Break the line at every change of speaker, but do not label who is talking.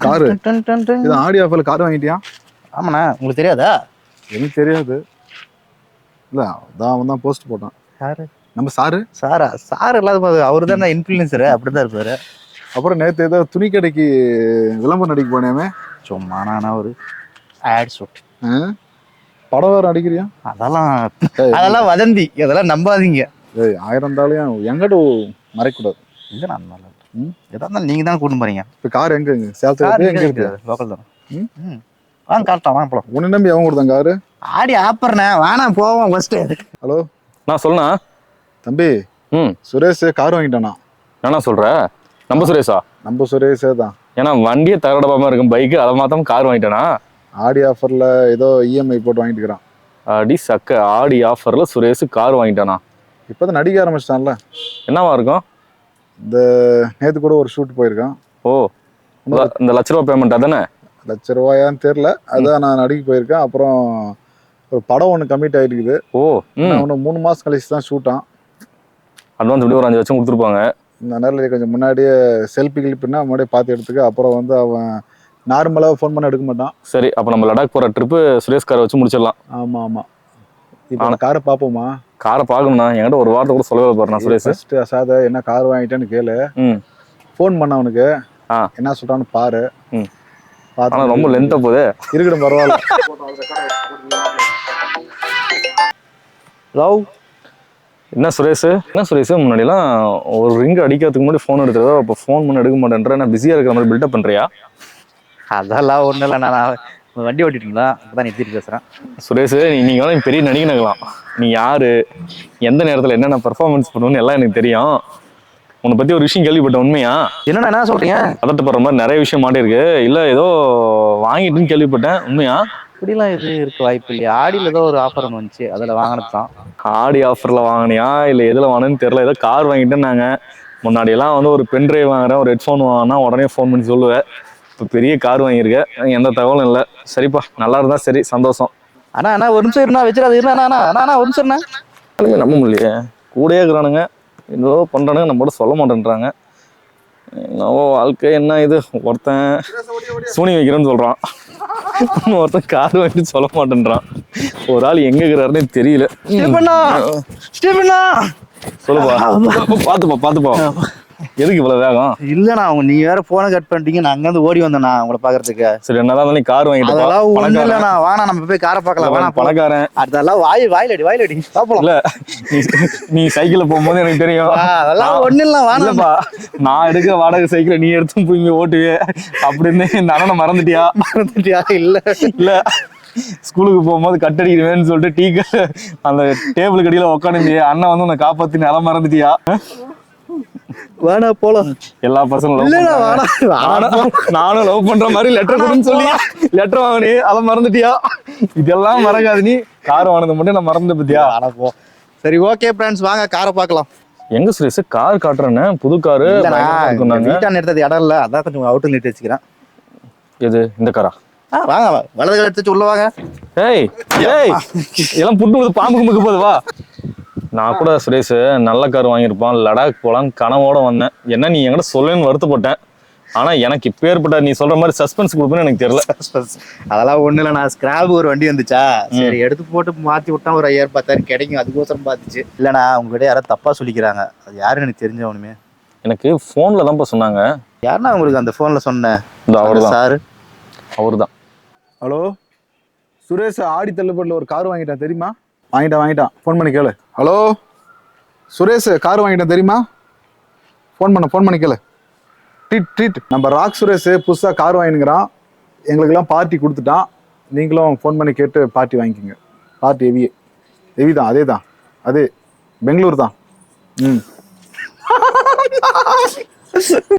Car இது ஆடி ஆஃபர்ல கார் வாங்கிட்டியா?
ஆமாண்ணா, உங்களுக்கு தெரியாதா?
எனக்கு தெரியாது. இல்ல அதான் அவன் தான் போஸ்ட் போட்டான்.
யாரு?
நம்ம சாரு.
சார் இல்லாத அவரு தான் இன்ஃபுளுசரு, அப்படிதான் இருப்பாரு.
அப்புறம் நேற்று ஏதோ துணி கடைக்கு விளம்பரம் நடிக்க போனேமே.
சும்மா நானா ஒரு ஆட் ஷூட்
படம் வேற அடிக்கிறியா?
அதெல்லாம் வதந்தி, அதெல்லாம் நம்பாதீங்க.
ஏய் 1000 இருந்தாலும் எங்கிட்ட மறைக்கூடாது.
இல்லை நான் நல்லா எதா இருந்தாலும் நீங்கள் தான் கூட்டு போறீங்க.
இப்போ கார் எங்க சேலத்துல எங்க இருக்கு?
லோக்கல் தான். வாங்க காட்டலாம், வாங்க போலாம்.
உன்னை நம்பி அவன் கொடுத்தான் காரு.
ஆடி ஆப்பர்ண்ணே, வேணா போவோம் ஃபர்ஸ்ட்.
ஹலோ
நான் சொல்லணா
தம்பி. சுரேஷ் கார் வாங்கிட்டானா?
என்ன சொல்ற? நம்ம சுரேஷா?
நம்ம சுரேஷே தான்.
ஏன்னா வண்டியை தரடபாம இருக்கும் பைக்கு, அதை மாத்தாம கார் வாங்கிட்டானா?
ஆடி ஆஃபர்ல ஏதோ இஎம்ஐ போட்டு வாங்கிட்டு இருக்கிறான்.
அடி சக்க, ஆடி ஆஃபர்ல சுரேஷ் கார் வாங்கிட்டானா?
இப்போதான் நடிக்க ஆரம்பிச்சிட்டான்ல.
என்னவா இருக்கும்?
இந்த நேற்று கூட ஒரு ஷூட் போயிருக்கான்.
ஓ, இந்த ₹1,00,000 பேமெண்ட் அதானே?
₹1,00,000 தெரியல, அதான் நான் நடிக்க போயிருக்கேன். அப்புறம் ஒரு படம் ஒன்று கமிட் ஆகிருக்குது.
ஓ,
ஒன்று 3 மாதம் கழிச்சு தான் ஷூட்டான்.
அட்வான்ஸ் எப்படி ஒரு 5 லட்சம் கொடுத்துருப்பாங்க.
இந்த நேரில் கொஞ்சம் முன்னாடியே செல்ஃபி கிளிப்புன்னா முன்னாடியே பார்த்து எடுத்துக்க. அப்புறம் வந்து அவன் நார்மலாக ஃபோன் பண்ண எடுக்க மாட்டான்.
சரி, அப்போ நம்ம லடாக் போகிற ட்ரிப்பு சுரேஷ் காரை வச்சு முடிச்சிடலாம்.
ஆமாம் ஆமாம். இப்போ அந்த காரை பார்ப்போமா?
காரை பார்க்கணும்னா என்கிட்ட ஒரு வாரத்தை கூட சொல்லவே போறேன் சுரேஷ்.
ஃபர்ஸ்ட் அசாத என்ன கார் வாங்கிட்டேன்னு கேளு. ஃபோன் பண்ண அவனுக்கு என்ன சொல்றான்னு பாரு.
ஆனா ரொம்ப லென்த்தா போகுது.
இருக்கட்டும் பரவாயில்ல.
லவ்
என்ன சுரேஷ் முன்னாடிலாம் ஒரு ரிங் அடிக்கிறதுக்கு முன்னாடி ஃபோன் எடுக்கிறதோ, அப்போ ஃபோன் பண்ணி எடுக்க மாட்டேன்ற, நான் பிஸியாக இருக்கிற மாதிரி பில்டப் பண்ணுறியா?
அதெல்லாம் ஒன்றும் இல்லை, நான் வண்டி ஓட்டிட்டுங்களா, அப்பதான் நிறுத்திட்டு பேசுகிறேன்.
சுரேஷ், நீங்கள் வேணா பெரிய நடிகனாகலாம். நீ யாரு, எந்த நேரத்தில் என்னென்ன பர்ஃபார்மன்ஸ் பண்ணுவோன்னு எல்லாம் எனக்கு தெரியும். உன்னை பற்றி ஒரு விஷயம் கேள்விப்பட்டேன், உண்மையா?
என்ன சொல்கிறீங்க?
பதட்டப்படுற மாதிரி நிறைய விஷயம் மாட்டிருக்கு. இல்லை ஏதோ வாங்கிட்டுன்னு கேள்விப்பட்டேன், உண்மையா?
இப்படிலாம் இருக்க வாய்ப்பு இல்லையா? ஆடியில் ஏதோ ஒரு ஆஃபர் ஒன்று வந்துச்சு, அதில் வாங்கினது தான்.
ஆடி ஆஃபரில் வாங்கினியா இல்லை எதில் வாங்கினேன்னு தெரியல. ஏதோ கார் வாங்கிட்டேன்னு நாங்கள் முன்னாடியெல்லாம் வந்து ஒரு பென்ட்ரைவ் வாங்குறேன், ஒரு ஹெட்ஃபோன் வாங்கினா உடனே ஃபோன் பண்ணி சொல்லுவேன். இப்போ பெரிய கார் வாங்கியிருக்கேன், எந்த தகவலும் இல்லை. சரிப்பா, நல்லா இருந்தா சரி, சந்தோஷம்.
அண்ணா ஒரு நிமிஷம் இருந்தா வச்சிடாது. அண்ணா ஒரு நிமிஷம்.
நம்ப முடியலையே, கூடயே இருக்கிறானுங்க, ஏதோ பண்ணுறானுங்க, நம்மளோட சொல்ல மாட்டேன்றாங்க. என்னவோ வாழ்க்கை என்ன இது. ஒருத்தன் சூனி வைக்கிறேன்னு சொல்கிறான், ஒருத்தன் கார் வாங்கிட்டு சொல்ல மாட்டேன்றான். ஒரு ஆள் எங்கே இருக்கிறாருன்னே தெரியல. சொல்லுப்பா. பார்த்துப்பா எதுக்கு இவ்வளோ வேகம்?
இல்லைண்ணா, நீ வேற போனை கட் பண்ணிட்டீங்க, நான் அங்கேருந்து ஓடி வந்தேண்ணா உங்களை பார்க்கறதுக்கு.
சரி, என்னதான் நீ கார் வாங்கிட்டு
இல்லைண்ணா, வாணா நம்ம போய் காரை பார்க்கலாம். வேணா
பணக்காரன்,
அதெல்லாம் வாயிலடி பார்ப்போம்.
இல்ல நீ சைக்கிள்ல போகும்போது எனக்கு தெரியும்.
அதெல்லாம் ஒன்றும் இல்லை, வாணப்பா.
நான் எடுக்க வாடகை சைக்கிளை நீ எடுத்து போய் இங்கே ஓட்டுவே அப்படின்னு இந்த அண்ணனை மறந்துட்டியா? இல்ல ஸ்கூலுக்கு போகும்போது கட்டடிக்கிறேன்னு சொல்லிட்டு டீ அந்த டேபிள் கடியில உட்காந்து அண்ணன் வந்து உன்னை காப்பாத்தி நிலம் மறந்துட்டியா?
வேணா போலாம்.
எல்லா பசங்களும் நானும் லவ் பண்ற மாதிரி லெட்டர் கொடுன்னு சொல்லி லெட்டர் வாங்கினி, அதை மறந்துட்டியா? இதெல்லாம் மறக்காது. நீ கார் வாங்கினது மட்டும் நான் மறந்து பத்தியா?
போ. சரி, ஓகே ஃப்ரெண்ட்ஸ், வாங்க காரை பார்க்கலாம்.
எங்க சுரேஷ் கார் காட்டுறேன்னு? புது காரு
வீட்டான் எடுத்தது இடம் இல்ல, அதான் கொஞ்சம் அவுட்டர் நிறுத்தி வச்சுக்கிறேன்.
எது இந்த காரா?
வாங்க வலது கால எடுத்து உள்ள வாங்க.
ஏய் இதெல்லாம் புட்டு பாம்பு கும்புக்கு போகுது, வா. நான் கூட சுரேஷ் நல்ல கார் வாங்கியிருப்பான், லடாக் போலான்னு கனவோட வந்தேன். என்ன நீ என்கிட்ட சொல்லணும்னு வருத்தப்பட்டேன். ஆனா எனக்கு இப்போ ஏற்பட்ட நீ சொல்ற மாதிரி சஸ்பென்ஸ் கொடுப்பேன்னு எனக்கு தெரியல.
அதெல்லாம் ஒண்ணு இல்லை, நான் ஸ்கிராப் ஒரு வண்டி வந்துச்சா, சரி எடுத்து போட்டு மாத்தி விட்டா ஒரு 5000-10,000 கிடைக்கும், அதுக்கோசரம் பார்த்துச்சு. இல்லைண்ணா, உங்ககிட்ட யாராவது தப்பா சொல்லிக்கிறாங்க, அது யாருன்னு எனக்கு தெரிஞ்சவனுமே.
எனக்கு போன்ல தான்ப்பா சொன்னாங்க.
யாருன்னா உங்களுக்கு அந்த போன்ல சொன்னேன்?
அவர்தான்
சாரு,
அவர்தான்.
ஹலோ சுரேஷ், ஆடி தள்ளுபடியில் ஒரு கார் வாங்கிட்டான் தெரியுமா? வாங்கிட்டான், ஃபோன் பண்ணி கேளு. ஹலோ சுரேஷ், கார் வாங்கிட்டான் தெரியுமா? ஃபோன் பண்ணி கேளு. ட்ரீட் நம்ம ராக் சுரேஷ் புதுசாக கார் வாங்கினுங்கிறான், எங்களுக்கெல்லாம் பார்ட்டி கொடுத்துட்டான். நீங்களும் ஃபோன் பண்ணி கேட்டு பார்ட்டி வாங்கிக்கோங்க. பார்ட்டி ஹெவி தான், அதே பெங்களூர் தான்.